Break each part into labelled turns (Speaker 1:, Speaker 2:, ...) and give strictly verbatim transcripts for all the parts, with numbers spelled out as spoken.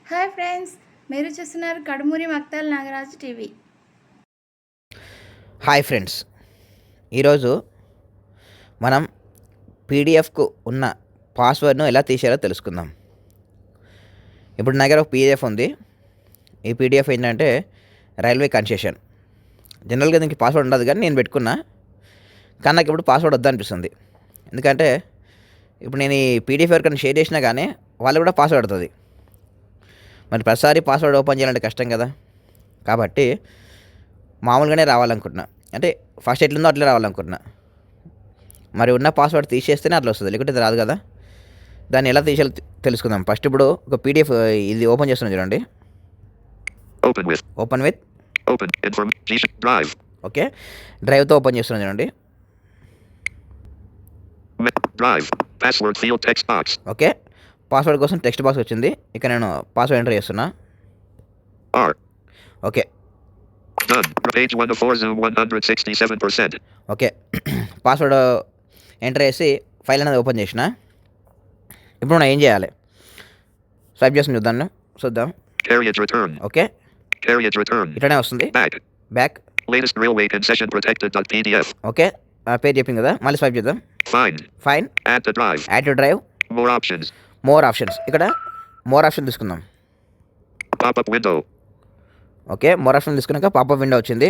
Speaker 1: Hi friends, మీరు చూస్తున్నారు Kadumuri Maktal Nagaraju TV.
Speaker 2: Hi friends, ఈరోజు మనం పీడిఎఫ్కు ఉన్న పాస్వర్డ్ను ఎలా తీసేయాలో తెలుసుకుందాం. ఇప్పుడు నా దగ్గర ఒక పీడిఎఫ్ ఉంది. ఈ పీడిఎఫ్ ఏంటంటే రైల్వే కన్సెషన్. జనరల్గా దీనికి పాస్వర్డ్ ఉండదు, కానీ నేను పెట్టుకున్నా. కానీ నాకు ఇప్పుడు పాస్వర్డ్ వద్దనిపిస్తుంది. ఎందుకంటే ఇప్పుడు నేను ఈ పీడిఎఫ్ ఎవరికైనా షేర్ చేసినా కానీ వాళ్ళు కూడా పాస్వర్డ్ అవుతుంది. మరి ప్రతిసారి పాస్వర్డ్ ఓపెన్ చేయాలంటే కష్టం కదా. కాబట్టి మామూలుగానే రావాలనుకుంటున్నా, అంటే ఫస్ట్ ఎట్లుందో అట్లా రావాలనుకుంటున్నా. మరి ఉన్న పాస్వర్డ్ తీసేస్తేనే అట్లా వస్తుంది, లేకుంటే ఇది రాదు కదా. దాన్ని ఎలా తీసేయాలో తెలుసుకుందాం. ఫస్ట్ ఇప్పుడు ఒక పీడిఎఫ్ ఇది ఓపెన్ చేస్తున్నాను చూడండి.
Speaker 3: Open with.
Speaker 2: Open with
Speaker 3: Open information drive.
Speaker 2: Okay, డ్రైవ్తో ఓపెన్ చేస్తున్నాను చూడండి.
Speaker 3: Me- Drive. Password field text box.
Speaker 2: Okay, password కోసం టెక్స్ట్ బాక్స్ వచ్చింది. ఇక్కడ నేను పాస్వర్డ్ ఎంటర్ చేస్తున్నా.
Speaker 3: R.
Speaker 2: Okay
Speaker 3: Done. Page one of four Zoom one hundred sixty-seven percent.
Speaker 2: Okay password enter చేసి file అనేది ఓపెన్ చేసిన. ఇప్పుడు మనం ఏం చేయాలి, స్వైప్ చేసి చూద్దాం చూద్దాం
Speaker 3: Carriage return.
Speaker 2: Okay,
Speaker 3: Carriage return.
Speaker 2: ఇట్లానే వస్తుంది.
Speaker 3: Back.
Speaker 2: Back.
Speaker 3: Latest railway concession protected.pdf.
Speaker 2: Okay, ఆ పేజ్ చెప్పింది కదా, మళ్ళీ స్వైప్ చేద్దాం.
Speaker 3: Find.
Speaker 2: Fine.
Speaker 3: Add to drive.
Speaker 2: Add to drive.
Speaker 3: More options.
Speaker 2: More options. ఇక్కడ మోర్ ఆప్షన్ తీసుకుందాం.
Speaker 3: Pop-up window.
Speaker 2: Okay, more option తీసుకున్నాక పాపప్ విండో వచ్చింది.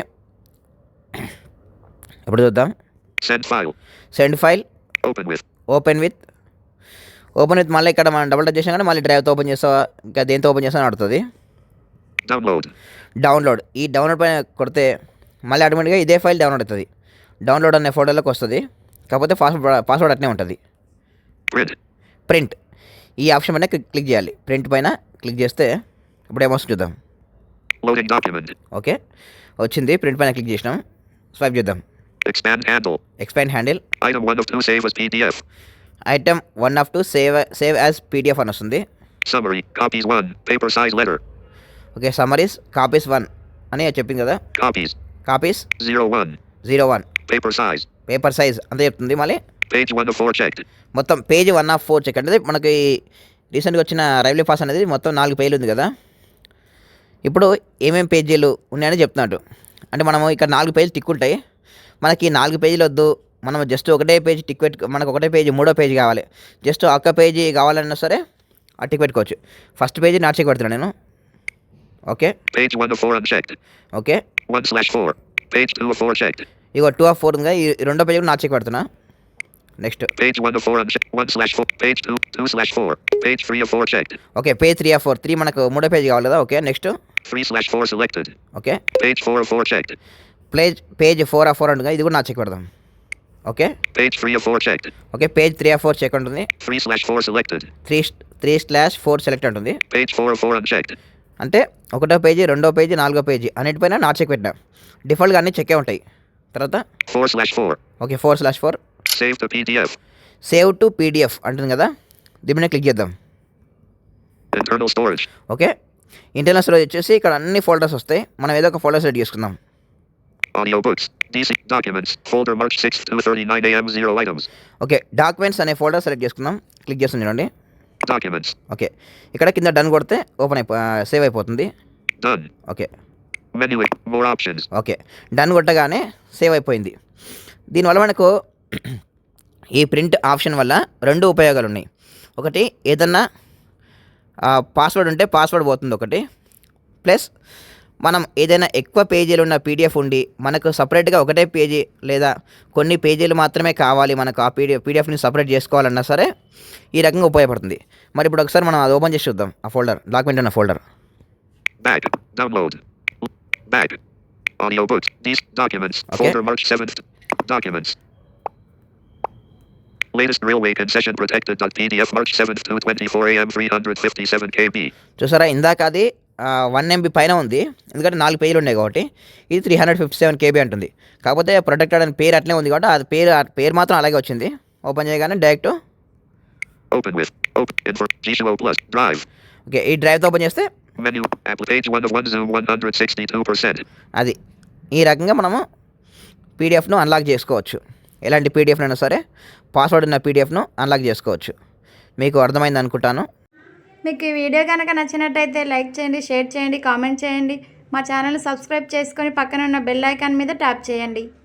Speaker 2: ఇప్పుడు చూద్దాం.
Speaker 3: Send file.
Speaker 2: Send file.
Speaker 3: Open with.
Speaker 2: Open with. Open with మళ్ళీ ఇక్కడ మనం double touch చేసాం కానీ మళ్ళీ డ్రైవ్తో ఓపెన్ చేస్తావా, ఇంకా దేంతో ఓపెన్ చేస్తామని అడుగుతుంది.
Speaker 3: Download.
Speaker 2: డౌన్లోడ్. ఈ డౌన్లోడ్ పైన కొడితే మళ్ళీ ఆటోమేటిక్గా ఇదే ఫైల్ డౌన్లోడ్ అవుతుంది. డౌన్లోడ్ అనే ఫోటోలోకి వస్తుంది. కాకపోతే పాస్వర్డ్ పాస్వర్డ్ అట్నే ఉంటుంది.
Speaker 3: Print.
Speaker 2: ప్రింట్. ఈ ఆప్షన్ పైన క్లిక్ క్లిక్ చేయాలి. ప్రింట్ పైన క్లిక్ చేస్తే ఇప్పుడు ఏమొస్తుంది చూద్దాం.
Speaker 3: Loading document.
Speaker 2: ఓకే, వచ్చింది. ప్రింట్ పైన క్లిక్ చేసినాం. స్వైప్ చేద్దాం.
Speaker 3: Expand handle.
Speaker 2: Expand handle.
Speaker 3: Item one of two save as P D F.
Speaker 2: Item one of two save save as PDF అని వస్తుంది.
Speaker 3: Summary. Copies one. Paper size letter.
Speaker 2: Okay, summaries copies one అని చెప్పింది కదా.
Speaker 3: Copies.
Speaker 2: Copies
Speaker 3: zero one.
Speaker 2: Zero one.
Speaker 3: Paper size.
Speaker 2: Paper size అంతే చెప్తుంది. మళ్ళీ
Speaker 3: Page one of four checked.
Speaker 2: మొత్తం page one of four check అంటే మనకి రీసెంట్గా వచ్చిన రైల్వే పాస్ అనేది మొత్తం నాలుగు పేజీలు ఉంది కదా. ఇప్పుడు ఏమేమి పేజీలు ఉన్నాయని చెప్తున్నాడు. అంటే మనము ఇక్కడ నాలుగు పేజీలు టిక్ ఉంటాయి. మనకి నాలుగు పేజీలు వద్దు, మనం జస్ట్ ఒకటే పేజీ టిక్ పెట్టు, మనకు ఒకటే పేజీ మూడో పేజీ కావాలి, జస్ట్ ఒక్క పేజీ కావాలన్నా సరే ఆ టిక్ పెట్టుకోవచ్చు. ఫస్ట్ పేజీ నా చెక్ పెడుతున్నాను నేను. Okay.
Speaker 3: Page one of four unchecked.
Speaker 2: Okay,
Speaker 3: one slash four. Page two of four checked.
Speaker 2: ఇగో టూ ఆఫ్ ఫోర్ ఉంది. ఈ రెండో పేజీ కూడా నా చెక్ పెడుతున్నా. Next
Speaker 3: Page one of four unchecked. one slash four. Page two. two slash four. Page three of four checked.
Speaker 2: Okay, page three of four. Three మనకు మూడో పేజీ కావాలి కదా. Okay, next
Speaker 3: three slash four selected.
Speaker 2: Okay,
Speaker 3: Page four of four checked.
Speaker 2: Page page four of four ఉంటుంది. ఇది కూడా నా check పెడదాం. Okay.
Speaker 3: Page three of four checked.
Speaker 2: Okay, page three of four check ఉంటుంది.
Speaker 3: three slash four selected.
Speaker 2: Three three slash four select ఉంటుంది.
Speaker 3: Page four of four unchecked.
Speaker 2: అంటే ఒకటో page, రెండో పేజీ, నాలుగో పేజీ అన్నిటిపైన నా చెక్ పెట్టినా. డిఫాల్ట్గా అన్ని చెక్కే ఉంటాయి. తర్వాత
Speaker 3: four slash four.
Speaker 2: Okay, four slash four.
Speaker 3: Save to P D F.
Speaker 2: Save to PDF అంటుంది కదా, దీని మీద క్లిక్ చేద్దాం.
Speaker 3: Internal storage.
Speaker 2: Okay, internal storage వచ్చేసి ఇక్కడ అన్ని ఫోల్డర్స్ వస్తాయి. మనం ఏదో ఒక ఫోల్డర్ సెలెక్ట్ చేసుకుందాం.
Speaker 3: Audiobooks. D C documents. Folder March sixth two thirty-nine a m zero items.
Speaker 2: Okay, documents అనే ఫోల్డర్ సెలెక్ట్ చేసుకుందాం. క్లిక్ చేస్తుంది చూడండి.
Speaker 3: Documents.
Speaker 2: ఓకే, ఇక్కడ కింద డన్ కొడితే ఓపెన్ అయిపో సేవ్ అయిపోతుంది.
Speaker 3: Done.
Speaker 2: Okay.
Speaker 3: Menu. More options.
Speaker 2: Okay, done కొట్టగానే సేవ్ అయిపోయింది. దీనివల్ల మనకు ఈ ప్రింట్ ఆప్షన్ వల్ల రెండు ఉపయోగాలు ఉన్నాయి. ఒకటి, ఏదన్నా పాస్వర్డ్ ఉంటే పాస్వర్డ్ పోతుంది ఒకటి. ప్లస్ మనం ఏదైనా ఎక్కువ పేజీలు ఉన్న పీడిఎఫ్ ఉండి మనకు సపరేట్గా ఒకటే పేజీ లేదా కొన్ని పేజీలు మాత్రమే కావాలి, మనకు ఆ పీడిఎఫ్ పీడిఎఫ్ని సపరేట్ చేసుకోవాలన్నా సరే ఈ రకంగా ఉపయోగపడుతుంది. మరి ఇప్పుడు ఒకసారి మనం అది ఓపెన్ చేసి చూద్దాం. ఆ ఫోల్డర్, డాక్యుమెంట్ ఉన్న folder.
Speaker 3: Back. Download. Back. Audiobooks. These documents.
Speaker 2: Okay.
Speaker 3: Folder March seventh. Documents. Latest railway concession protected.pdf March seventh two twenty-four a m three hundred fifty-seven k b.
Speaker 2: చూసారా, ఇందాక అది వన్ ఎంబీ పైన ఉంది, ఎందుకంటే నాలుగు పేజీలు ఉన్నాయి కాబట్టి. ఇది three hundred fifty seven KB అంటుంది. కాకపోతే ప్రొటెక్టెడ్ అని పేరు అట్లే ఉంది కాబట్టి అది పేరు పేరు మాత్రం అలాగే వచ్చింది. ఓపెన్ చేయగానే direct
Speaker 3: Open with. Open. Info. G two O plus. Drive.
Speaker 2: Okay, ఈ డ్రైవ్తో ఓపెన్ చేస్తే
Speaker 3: Menu. Apple page one of one Zoom one hundred sixty-two percent.
Speaker 2: అది ఈ రకంగా మనము పీడిఎఫ్ను అన్లాక్ చేసుకోవచ్చు. ఎలాంటి పీడిఎఫ్ అయినా సరే పాస్వర్డ్ ఉన్న పీడిఎఫ్ను అన్లాక్ చేసుకోవచ్చు. మీకు అర్థమైంది అనుకుంటాను.
Speaker 1: మీకు ఈ వీడియో కనుక నచ్చినట్టయితే లైక్ చేయండి, షేర్ చేయండి, కామెంట్ చేయండి. మా ఛానల్ సబ్స్క్రైబ్ చేసుకొని పక్కన ఉన్న బెల్ ఐకాన్ మీద ట్యాప్ చేయండి.